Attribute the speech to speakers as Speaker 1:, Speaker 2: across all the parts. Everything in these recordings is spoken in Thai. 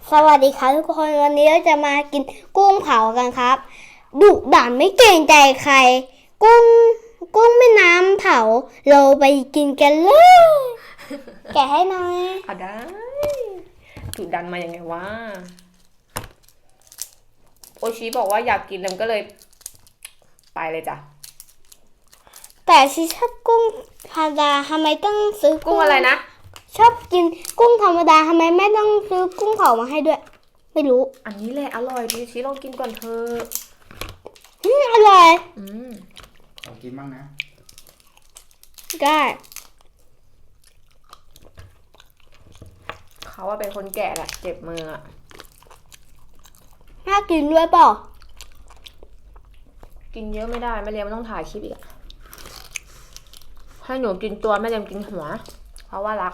Speaker 1: สวัสดีครับทุกคนวันนี้เราจะมากินกุ้งเผากันครับดุดันไม่เกรงใจใครกุ้งแม่น้ำเผาเราไปกินกันเลยแกะให้หน่อย
Speaker 2: ได้ดุดันมายังไงวะโอชิบอกว่าอยากกินแล้วก็เลยไปเลยจ้ะ
Speaker 1: แต่ชิชอบกุ้งธรรมดาทำไมต้องซื้อ
Speaker 2: กุ้งอะไรนะ
Speaker 1: ชอบกินกุ้งธรรมดาทำไมแม่ต้องซื้อกุ้งเผามาให้ด้วยไม่รู้
Speaker 2: อันนี้แหละอร่อยดิชิลองกินก่อนเถอะ
Speaker 1: อร่อย
Speaker 3: ขอกินบ้างนะ
Speaker 1: ได้
Speaker 2: เขาว่าเป็นคนแก่แหละเจ็บมืออะ
Speaker 1: น่ากินด้วยเปล่า
Speaker 2: กินเยอะไม่ได้แม่เลี้ยงมันต้องถ่ายคลิปอีกอะให้หนูกินตัวแม่เลี้ยงกินหัวเพราะว่ารัก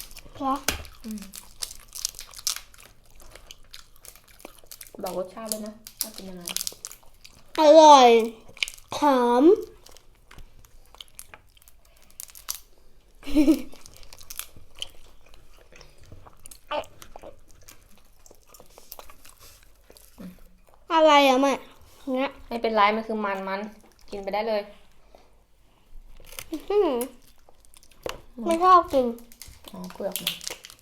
Speaker 2: บอกรสชาติเลยนะว่าเป็นยังไง
Speaker 1: อร่อยหอมอะไรอะแม่เนี้ย
Speaker 2: ไม่เป็นไรมันคือมันกินไปได้เลย
Speaker 1: ไม่ชอบกิน
Speaker 2: เปลือกมัน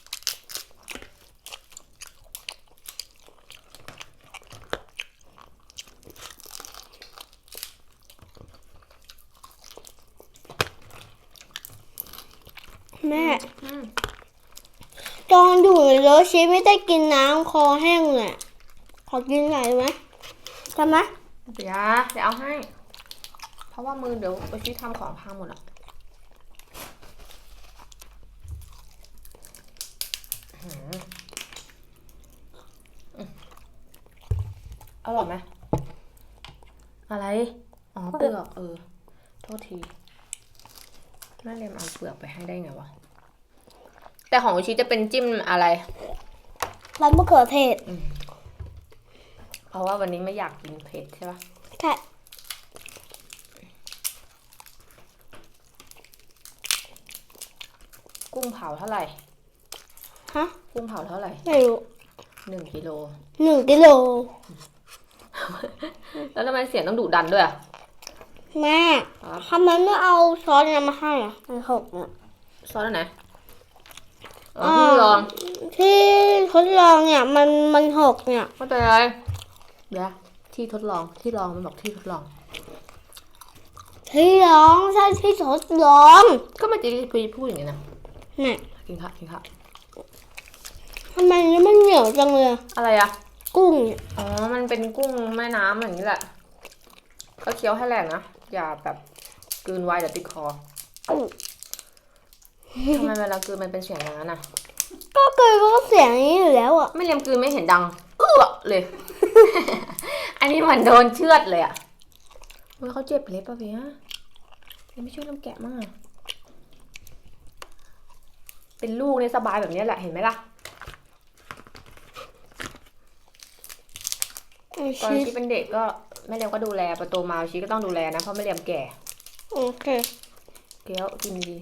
Speaker 1: แม่ตอนอยู่ในรถชีไม่ได้กินน้ำคอแห้งเลยขอกินหน่อยไหมทำไหม
Speaker 2: เดี๋ยวเอาให้เพราะว่ามือเดี๋ยวไปชี้ทำของพังหมดอ่ะอร่อยไหมอะไรเปลือกโทษทีแม่เรียมเอาเปลือกไปให้ได้ไงวะแต่ของชิจะเป็นจิ้มอะไร
Speaker 1: ร้านมะเขือเทศ
Speaker 2: เพราะว่าวันนี้ไม่อยากกินเผ็ดใช่ปะ
Speaker 1: ใช่
Speaker 2: กุ้งเผาเท่าไหร่
Speaker 1: ฮะ
Speaker 2: กุ้งเผาเท่าไหร่
Speaker 1: ไม่รู้
Speaker 2: 1 กิโล
Speaker 1: 1 กิโล
Speaker 2: แล้วทำไมเสียงต้องดุดันด้วยอ่ะ
Speaker 1: แม่ทำไมไม่เอาซอสเนี่ยมาให้อ่ะมันหกเนี่ย
Speaker 2: ซอสไหนที่ลอง
Speaker 1: ที่ทดลองเนี่ยมันหกเนี่ย
Speaker 2: ไม่เป็นไรเดี๋ยวที่ทดลองมันบอกที่ทดลอง
Speaker 1: ใช่ที่ทดลอง
Speaker 2: ก็มันจะพูดอย่างนี้นะ
Speaker 1: เนี่ย
Speaker 2: กินค่ะ
Speaker 1: ทำไมมันเหนียวจังเลย
Speaker 2: อะไรอะ
Speaker 1: กุ้ง
Speaker 2: มันเป็นกุ้งแม่น้ำอย่างนี้แหละก็เคี้ยวให้แรงนะอย่าแบบกลืนไวเดี๋ยวติดคอทำไมเวลากลืนมันเป็นเสียงอย่างนั้นอ่ะ
Speaker 1: ก็กลืนก็เสียงนี้อยู่แล้วอ่ะ
Speaker 2: ไม่เลียมกลืนไม่เห็นดังเลย อันนี้เหมือนโดนเชือดเลยอ่ะเขาเจ็บเล็บป่ะพี่ฮะยังไม่ช่วยน้ำแกะมากเป็นลูกเนี่ยสบายแบบนี้แหละเห็นไหมล่ะตอนที่เป็นเด็กก็แม่เลียมก็ดูแลพอโตมาชีก็ต้องดูแลนะเพราะแม่เลียมแก่
Speaker 1: โอเค
Speaker 2: เกี้ยวกินดี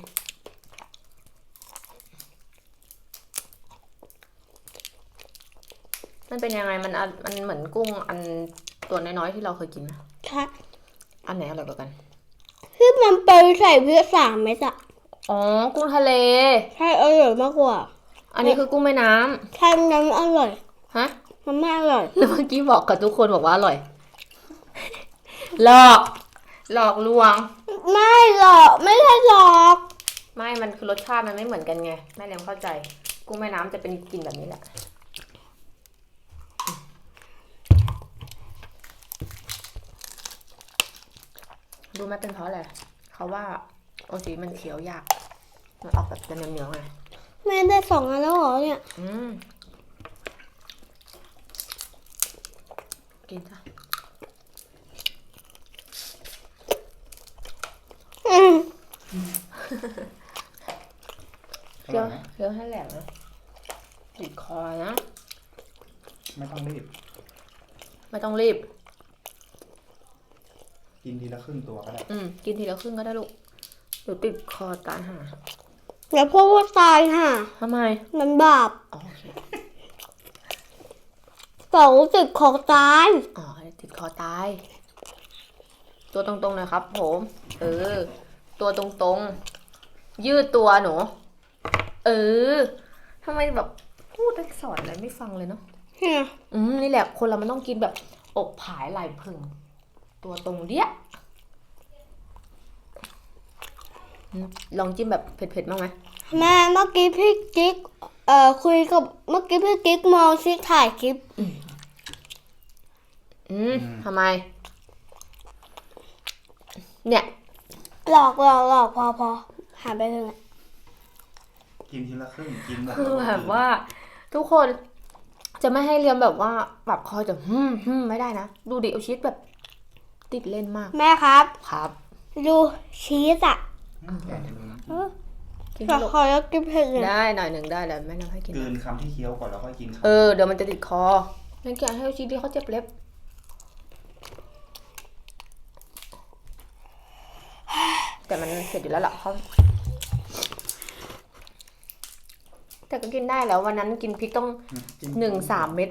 Speaker 2: มันเป็นยังไงมันเหมือนกุ้งอันตัวน้อยๆที่เราเคยกินนะ
Speaker 1: ใช่
Speaker 2: อันไหนอร่อยกว่ากัน
Speaker 1: ที่มันไปใส่เพื่อ3 เม็ดอะ
Speaker 2: กุ้งทะเล
Speaker 1: ใช่อร่อยมากกว่า
Speaker 2: อันนี้คือกุ้งแม่น้ำ
Speaker 1: ใช่น้ำอร่อย
Speaker 2: ฮะ
Speaker 1: มันไม่อร่อย
Speaker 2: แล้วเมื่อกี้บอกกับทุกคนบอกว่าอร่อยหลอกลวง
Speaker 1: ไม่หรอกไม่ใช่หรอก
Speaker 2: ไม่มันคือรสชาติมันไม่เหมือนกันไงแม่เลี้ยงเข้าใจกุ้งแม่น้ำจะเป็นกลิ่นแบบนี้แหละดูไหมเป็นเพราะอะไรเขาว่าโอซีมันเคี้ยวยากมันออกแบบจะเหนียวๆไง
Speaker 1: แม่ได้2 อันแล้วเหรอเนี่ย
Speaker 2: กินจ้ะเคี้ยวให้แหลกนะติดคอนะ
Speaker 3: ไม่ต้องรีบกินทีละครึ่งตัวก็ได้
Speaker 2: กินทีละครึ่งก็ได้ลูกเดี๋ยวติดคอตายห่า
Speaker 1: อย่าพูดว่าตายค่ะ
Speaker 2: ทำไม
Speaker 1: มันบาป
Speaker 2: โอเค
Speaker 1: เต่าติดคอตาย
Speaker 2: อ๋อติดคอตาย ตัวตรงๆหนะครับผม ตัวตรงๆ ยืดตัวหนู ทำไมแบบพูดสอนอะไรไม่ฟังเลยเนาะ
Speaker 1: เนี่ย
Speaker 2: นี่แหละคนเรามันต้องกินแบบอกผายไหล่พึง ตัวตรงเดี้ยลองจิ้มแบบเผ็ดๆบ้างไหม
Speaker 1: แม่เมื่อกี้พี่กิ๊กคุยกับเมื่อกี้พี่กิ๊กมองซิถ่ายคลิป
Speaker 2: ทำไม เนี่ย
Speaker 1: หลอกพอหาไปเลย
Speaker 3: กินทีละครึ่งกินหมด
Speaker 2: คือ
Speaker 3: ล้วก็
Speaker 2: แบบว่า ทุกคนจะไม่ให้เรียนแบบว่าแบบคอยจะไม่ได้นะ ดูดิเอาชีสแบบติดเล่นมาก
Speaker 1: แม่ครับ
Speaker 2: ครับ
Speaker 1: ดูชีสอ่ะ
Speaker 3: แกะให้ดูนะ
Speaker 2: กิน
Speaker 1: ขอ
Speaker 2: ลูก
Speaker 1: ขอแล้วกินเผ็ดเลย
Speaker 2: ได้หน่อยหนึ่งได้แล้วแม่น้ำให้กิน
Speaker 3: กลืนคำที่เคี้ยวก่อนแล้วก็กินคำ
Speaker 2: เดี๋ยวมันจะติดคองั้นแกะให้เอาชีสที่เขาเจ็บเล็บ แต่มันเสร็จอยู่แล้วล่ะเขาแต่ก็กินได้แล้ววันนั้นกินพริกต้อง
Speaker 3: จิ้ม
Speaker 2: 3 เม็ด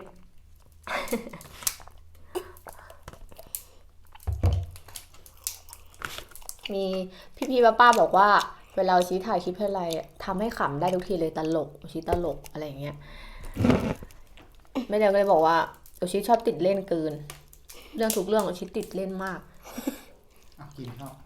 Speaker 2: มีพี่ป้าบอกว่าเวลาชี้ถ่ายคลิปอะไรทำให้ขำได้ทุกทีเลยตลกชี้ตลกอะไรอย่างเงี้ยแม่เดียวก็เลยบอกว่าชี้ชอบติดเล่นเกิน เรื่องทุกเรื่องชี้ติดเล่นมาก
Speaker 3: อ่ะกินเข้า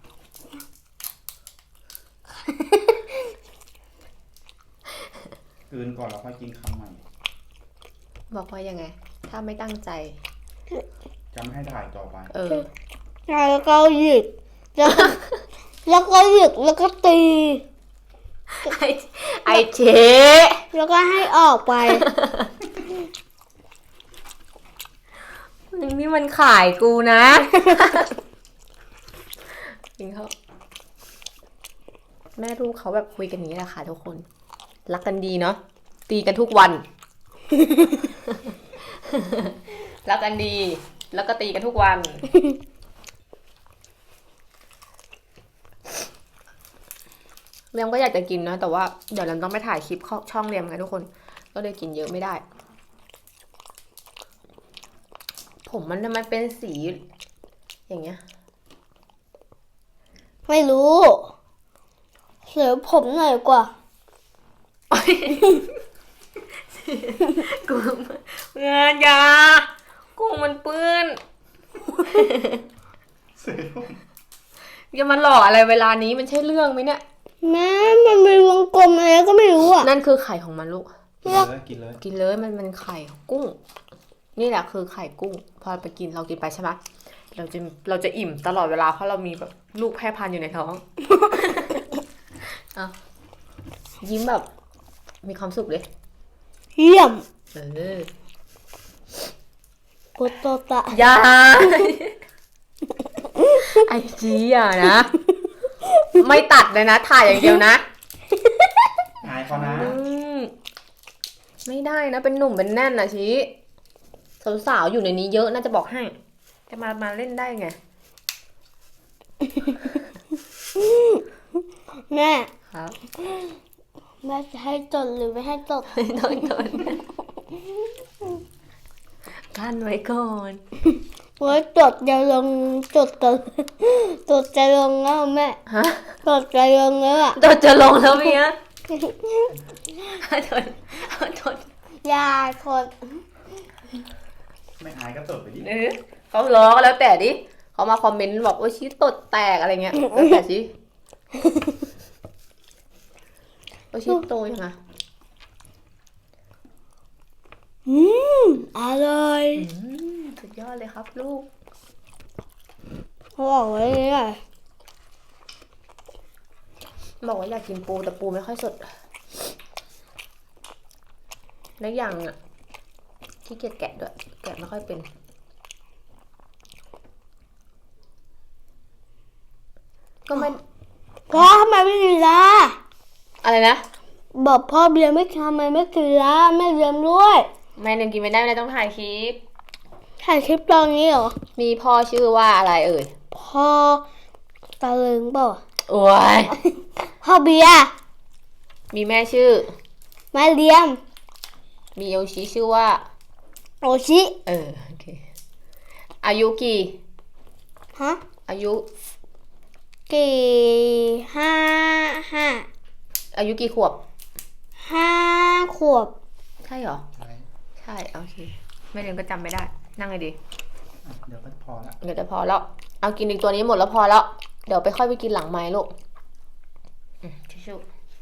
Speaker 3: กลืนก่อนแล้วค่อยกินคำใหม่
Speaker 2: บอกว่ายังไง ถ้าไม่ตั้งใจ
Speaker 3: จะไม่ให้ถ่ายต่อไป
Speaker 1: แล้วก็หยิกแล้วก็หยิกแล้วก็ตี
Speaker 2: ไอเจ๊
Speaker 1: แล้วก็ให้ออกไป
Speaker 2: นี่มันขายกูนะจริงเขาแม่ลูกเขาแบบคุยกันอย่างนี้แหละค่ะทุกคน รักกันดีเนาะตีกันทุกวัน รักกันดี แล้วก็ตีกันทุกวัน เรียมก็อยากจะกินนะแต่ว่าเดี๋ยวเราต้องไปถ่ายคลิปช่องเรียมกันทุกคน ก็เลยกินเยอะไม่ได้ ผมมันทำไมเป็นสี อย่างเงี้ย
Speaker 1: ไม่รู้เสือผมหน่อยกว่า
Speaker 2: กุ้งเงินยากุ้งมันเปื้อน
Speaker 3: เสียผม
Speaker 2: อย่ามาหลอกอะไรเวลานี้มันใช่เรื่องไหมเนี่ย
Speaker 1: แม่มันมีวงกลมอะไรก็ไม่รู้อ่ะ
Speaker 2: นั่นคือไข่ของมันลูก
Speaker 3: กินเลยกินเลย
Speaker 2: กินเลยมันไข่ของกุ้ง นี่แหละคือไข่กุ้ง พอไปกินเรากินไปใช่ไหมเราจะอิ่มตลอดเวลาเพราะเรามีแบบลูกแพร่พันธุ์อยู่ในท้อง เอายิ้มแบบมีความสุขเลย
Speaker 1: เยี่ยม กุโตตะ
Speaker 2: อย่า ไอจีอ่ะนะ ไม่ตัดเลยนะ ถ่ายอย่างเดียวนะ
Speaker 3: อายเขานะ
Speaker 2: ไม่ได้นะ เป็นหนุ่มเป็นแน่นนะชี้สาวๆอยู่ในนี้เยอะน่าจะบอกให้ จะมาเล่นได้ไง
Speaker 1: แม่
Speaker 2: ครับ
Speaker 1: แม่จะให้จดหรือไม่ให้จด
Speaker 2: โดนกั้นไว้ก่อน
Speaker 1: ว่าจดจะลงจดจะลงแล้วแม่
Speaker 2: ฮะ
Speaker 1: จดจะลงแล้วอ่ะ
Speaker 2: จะลงแล้วเมียโดน
Speaker 1: ยาคน
Speaker 3: ไม่อายก็ตดไปดิ
Speaker 2: เขาล้อก็แล้วแต่ดิเขามาคอมเมนต์บอกว่าชี้ตดแตกอะไรเงี้ยแล้วแต่ชี้ว่าชี้โตยังไง
Speaker 1: อร่อย
Speaker 2: สุดยอดเลยครับลูก
Speaker 1: เขาบอกไว้เลยอ่ะ
Speaker 2: บอกว่าอยากกินปูแต่ปูไม่ค่อยสดและอย่างอ่ะขี้เกียจแกะด้วยแกะไม่ค่อยเป็นก็ไม่
Speaker 1: พ่อทำไมไม่กินละ
Speaker 2: อะไรนะ
Speaker 1: บอกพ่อเบียร์ไม่ทำไมไม่กินละแม่เบียร์ด้วย
Speaker 2: แม่ยังกินไม่ได้ไม่ได้ต้องถ่ายคลิป
Speaker 1: ถ่ายคลิปตอนนี้เหรอ
Speaker 2: มีพ่อชื่อว่าอะไรเอ่ย
Speaker 1: พ่อตะลึงเปล่า
Speaker 2: โอ้ย
Speaker 1: พ่อเบียร์
Speaker 2: มีแม่ชื่อ
Speaker 1: แม่เลี้ยม
Speaker 2: มีโยชิชื่อว่า
Speaker 1: โอชิ
Speaker 2: โอเค อายุกี่
Speaker 1: ฮะ
Speaker 2: อายุ
Speaker 1: กี่ห้าห้า
Speaker 2: อายุกี่ขวบ
Speaker 1: ห้าขวบ
Speaker 2: ใช่เหรอ
Speaker 3: ใช่
Speaker 2: ใช่ โอเค ไม่เรียนก็จำไม่ได้ นั่งเลยดิ
Speaker 3: อ่ะเดี๋ยวก็พอละ
Speaker 2: เดี๋ยวจะพอแล้ว เอากินอีกตัวนี้หมดแล้วพอแล้ว เดี๋ยวไปค่อยไปกินหลังไม้ลูกทิชชู่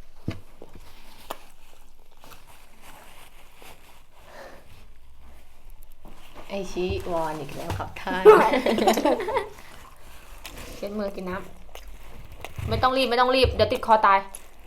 Speaker 2: ไอชิวอนอีกแล้วครับท่าน เช็ดมือกินน้ำไม่ต้องรีบ เดี๋ยวติดคอตาย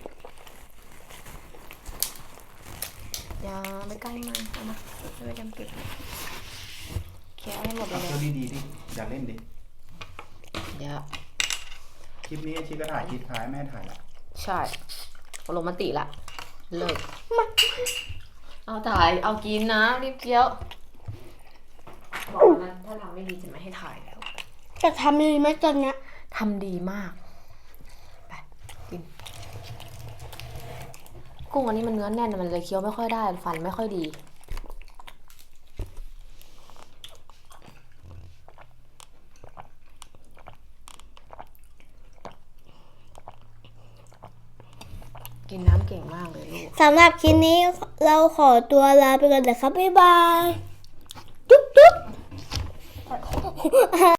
Speaker 2: อย่าไม่ใกล้มาเอามาไม่ไปจำเก็บแค่ให้หมดเล
Speaker 3: เอา
Speaker 2: ย
Speaker 3: เที่ยวดีๆดิอย่าเล่นดิ
Speaker 2: เดี๋ยว
Speaker 3: คลิปนี้ชิก็ถ่ายคลิปท้ายแม่ถ่ายละ
Speaker 2: ใช่ลงมติละเลิกเอาถ่ายเอากินนะรีบเคี้ยวบอกแล้วถ้าทำไม่ดีจะไม่ให้ถ่ายแล้ว
Speaker 1: จะทำดีไหมตอนเนี้ย
Speaker 2: ทำดีมากไปกินกุ้งอันนี้มันเนื้อแน่นมันเลยเคี้ยวไม่ค่อยได้ฟันไม่ค่อยดีกินน้ำเก่งมากเลยลูก
Speaker 1: สำหรับคลิปนี้เราขอตัวลาไปก่อนนะครับ บ๊ายบาย จุ๊บจุ๊บ